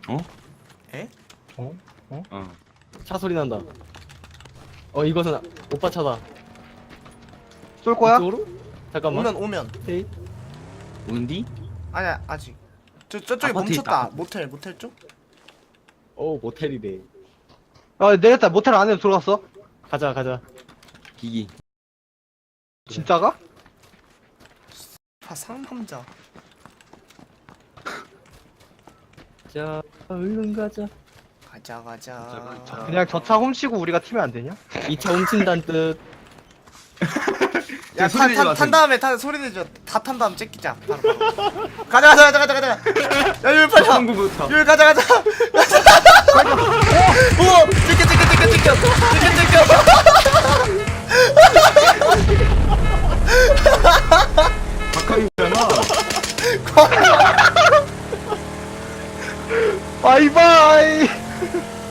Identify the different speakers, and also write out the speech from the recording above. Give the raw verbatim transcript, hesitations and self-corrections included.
Speaker 1: 어?
Speaker 2: 에?
Speaker 3: 어? 어?
Speaker 1: 어.
Speaker 4: 차 소리 난다. 어 이것은 오빠 차다.
Speaker 3: 쏠 거야?
Speaker 4: 이쪽으로? 잠깐만.
Speaker 2: 오면 오면.
Speaker 4: 오케이.
Speaker 1: 오는디?
Speaker 2: 아니야 아직. 저 저쪽에
Speaker 1: 아파트에
Speaker 2: 멈췄다.
Speaker 1: 있다.
Speaker 2: 모텔 모텔 쪽?
Speaker 4: 오 모텔이래.
Speaker 3: 아 내렸다. 모텔 안에 들어갔어.
Speaker 4: 가자 가자.
Speaker 1: 기기.
Speaker 3: 진짜가?
Speaker 2: 아 상남자.
Speaker 4: 자 얼른 가자.
Speaker 2: 가자 가자.
Speaker 1: 가자.
Speaker 3: 그냥 저 차 훔치고 우리가 튀면 안 되냐?
Speaker 4: 이 차 훔친다는 뜻.
Speaker 2: 야,
Speaker 1: 소리
Speaker 2: 탄,
Speaker 1: 내지
Speaker 2: 탄,
Speaker 1: 마세요.
Speaker 2: 탄 다음에 탄 소리 내줘. 다 탄 다음 째끼자. 바로, 바로. 가자, 가자, 가자, 가자, 가자. 야, 여기 빨리 와.
Speaker 1: 성구부터.
Speaker 2: 여기 가자, 가자. 가자. 오, 찍혀, 찍혀, 찍혀, 찍혀, 찍혀, 찍혀.
Speaker 1: 박하이잖아.
Speaker 3: 바이바이.